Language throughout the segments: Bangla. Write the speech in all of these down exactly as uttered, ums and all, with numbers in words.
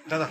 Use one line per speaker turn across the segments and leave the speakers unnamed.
দাদা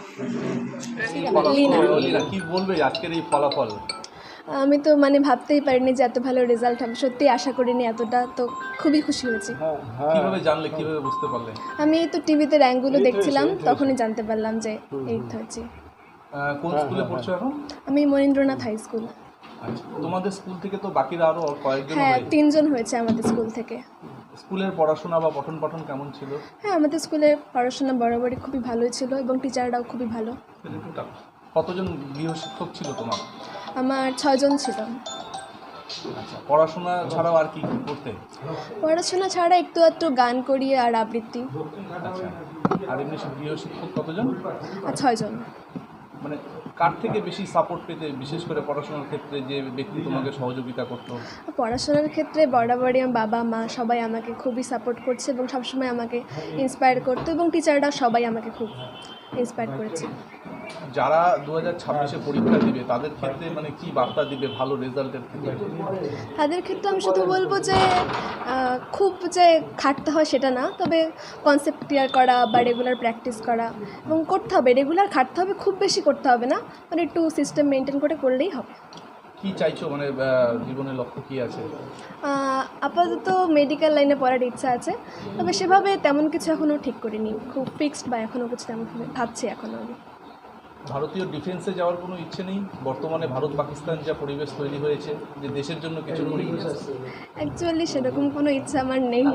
কি বলবে আজকের এই ফলাফল?
আমি তো মানে ভাবতেই পারিনি যে এত ভালো রেজাল্ট হবে, সত্যিই আশা করিনি এতটা, তো খুবই খুশি হয়েছি।
কিভাবে জানলে, কিভাবে বুঝতে পারলে?
আমি তো টিভিতে র্যাঙ্কগুলো দেখছিলাম, তখনই জানতে পারলাম যে এইট হয়েছি।
কোন স্কুলে পড়ছো এখন?
আমি মনীন্দ্রনাথ হাই স্কুল।
আচ্ছা, তোমাদের স্কুল থেকে তো বাকিরা আরো কয়েকজন?
হ্যাঁ, তিনজন হয়েছে আমাদের স্কুল থেকে।
স্কুলের পড়াশোনা বা পঠন পাঠন কেমন ছিল?
হ্যাঁ, আমাদের স্কুলের পড়াশোনা বরাবরই খুবই ভালোই ছিল এবং টিচাররাও খুবই ভালো।
কতজন গৃহশিক্ষক ছিল তোমার?
আমার ছয়জন ছিল।
আচ্ছা, পড়াশোনা ছাড়াও আর কি কি করতে?
পড়াশোনা ছাড়া একটু একটু গান করি আর আবৃত্তি।
আচ্ছা, আর এমনি সব গৃহশিক্ষক কতজন?
আর ছয়জন।
মানে কার থেকে বেশি সাপোর্ট পেতে, বিশেষ করে পড়াশোনার ক্ষেত্রে যে ব্যক্তি তোমাকে সহযোগিতা করতো?
পড়াশোনার ক্ষেত্রে বরাবরই আমার বাবা মা সবাই আমাকে খুবই সাপোর্ট করছে এবং সবসময় আমাকে ইন্সপায়ার করতো, এবং টিচাররা সবাই আমাকে খুব ইন্সপায়ার করেছে।
যারা দু হাজার ছাব্বিশে পরীক্ষা দিবে তাদের ক্ষেত্রে মানে কি বার্তা দিবে ভালো রেজাল্টের ক্ষেত্রে?
তাদের ক্ষেত্রে আমি শুধু বলবো যে খুব যে খাটতে হয় সেটা না, তবে কনসেপ্ট ক্লিয়ার করা বা রেগুলার প্র্যাকটিস করা এবং করতে হবে, রেগুলার খাটতে হবে, খুব বেশি করতে হবে না, মানে একটু সিস্টেম মেনটেন করে করলেই হবে।
কি চাইছো, মানে জীবনের লক্ষ্য কি আছে?
আপাতত মেডিকেল লাইনে পড়ার ইচ্ছা আছে, তবে সেভাবে তেমন কিছু এখনও ঠিক করিনি, খুব ফিক্সড বা এখনও কিছু তেমন ভাবছি এখনও আমি।
ভারতীয় ডিফেন্সে যাওয়ার কোনো ইচ্ছে নেই? বর্তমানে ভারত পাকিস্তান যা পরিবেশ তৈরি হয়েছে, যে দেশের জন্য কিছু করি?
অ্যাকচুয়ালি সেরকম কোনো ইচ্ছা আমার নেই,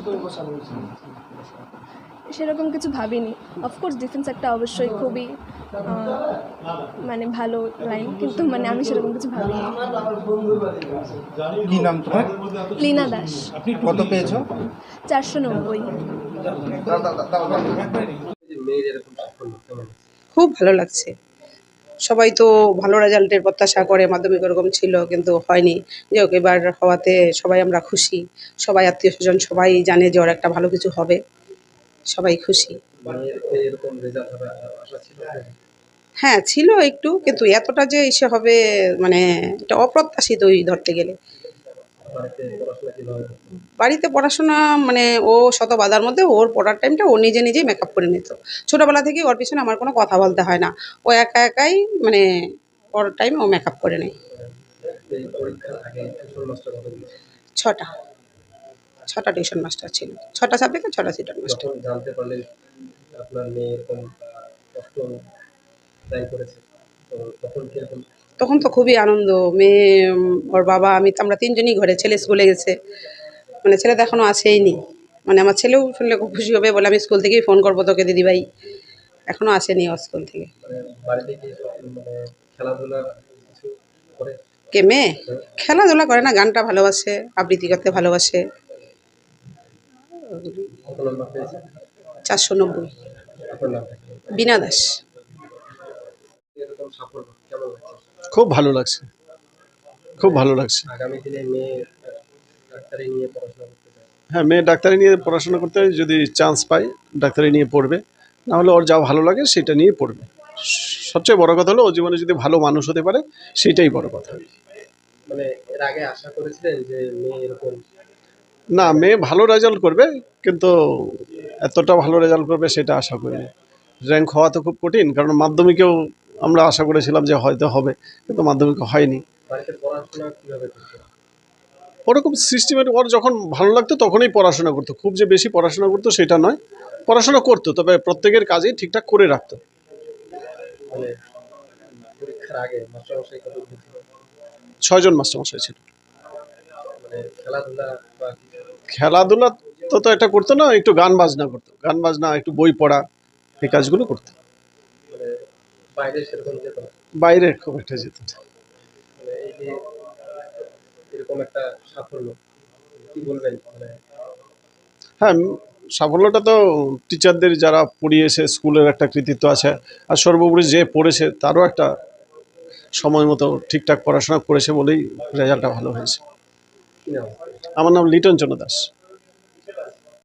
সেরকম কিছু ভাবিনি। অফকোর্স ডিফেন্স একটা অবশ্যই খুবই মানে ভালো লাইন, কিন্তু মানে আমি সেরকম কিছু ভাবিনি।
কি নাম তোমার?
লীনা দাস।
আপনি কত পেয়েছো?
চারশো নব্বই।
খুব ভালো লাগছে। সবাই তো ভালো রেজাল্টের প্রত্যাশা করে, মাধ্যমিক ওরকম ছিল কিন্তু হয়নি। যাই হোক, এবার হওয়াতে সবাই আমরা খুশি, সবাই আত্মীয় স্বজন সবাই জানে যে ওর একটা ভালো কিছু হবে, সবাই খুশি। হ্যাঁ ছিল একটু, কিন্তু এতটা যে এসে হবে মানে এটা অপ্রত্যাশিতই ধরতে গেলে। বাড়িতে পড়াশোনা মানে ও শত বাধার মধ্যে ওর পড়ার টাইমটা ও নিজে নিজেই মেকআপ করে নিত। ছোটোবেলা থেকেই ওর পিছনে আমার কোনো কথা বলতে হয় না, ও একা একাই মানে ওর টাইম ও মেকআপ করে নেয়। ছটা ছটা টিউশন মাস্টার ছিল, ছটা সাবজেক্টে ছটা টিউশন মাস্টার। তখন তো খুবই আনন্দ। মেয়ে, ওর বাবা, আমি তো আমরা তিনজনই ঘরে, ছেলে স্কুলে গেছে, মানে ছেলে তো এখনও আসেইনি। মানে আমার ছেলেও শুনলে খুব খুশি হবে, বলে আমি স্কুল থেকেই ফোন করবো তোকে দিদিভাই, এখনও আসেনি ও স্কুল থেকে। কে মেয়ে? খেলাধুলা করে না, গানটা ভালোবাসে, আবৃত্তি করতে ভালোবাসে। চারশো নব্বই। বীণা দাস।
খুব ভালো লাগছে, খুব ভালো লাগছে। হ্যাঁ, মেয়ে ডাক্তারি নিয়ে পড়াশোনা করতে যদি চান্স পায় ডাক্তারি নিয়ে পড়বে, নাহলে ওর যা ভালো লাগে সেটা নিয়ে পড়বে। সবচেয়ে বড় কথা হলো ও জীবনে যদি ভালো মানুষ হতে পারে, সেটাই বড় কথা।
মানে এর আগে আশা করেছিলেন যে মেয়ে এরকম?
না, মেয়ে ভালো রেজাল্ট করবে, কিন্তু এতটা ভালো রেজাল্ট করবে সেটা আশা করিনি। র্যাঙ্ক হওয়া তো খুব কঠিন, কারণ মাধ্যমিকেও আমরা আশা করেছিলাম যে হয়তো হবে, কিন্তু মাধ্যমিকে হয়নি।
বাড়িতে পড়াশোনা কিভাবে করতে?
ওরকম সিস্টেমেটিক, ওর যখন ভালো লাগতো তখনই পড়াশোনা করতো, খুব যে বেশি পড়াশোনা করতো সেটা নয়, পড়াশোনা করতো, তবে প্রত্যেকের কাজেই ঠিকঠাক করে রাখতো।
মানে পরীক্ষার আগে মাস্টারমশাই কত দিয়েছিল?
ছয়জন মাস্টারমশাই ছিল।
মানে খেলাধুলা বা
খেলাধুলা তো তো এটা করতো না, একটু গান বাজনা করতো, গান বাজনা, একটু বই পড়া, এই কাজগুলো করতো।
মানে বাইরে সেরকম যেত না?
বাইরে খুব একটা যেত না।
মানে এই যে এরকম একটা সাফল্য কি বলবেন? মানে
হ্যাঁ, সাফল্যটা তো টিচারদের যারা পড়িয়েছে, স্কুলের একটা কৃতিত্ব আছে, আর সর্বোপরি যে পড়েছে তারও একটা সময় মতো ঠিকঠাক পড়াশোনা করেছে বলেই রেজাল্টটা ভালো হয়েছে।
কি নাম?
আমার নাম লিটন চন্দ্র দাস।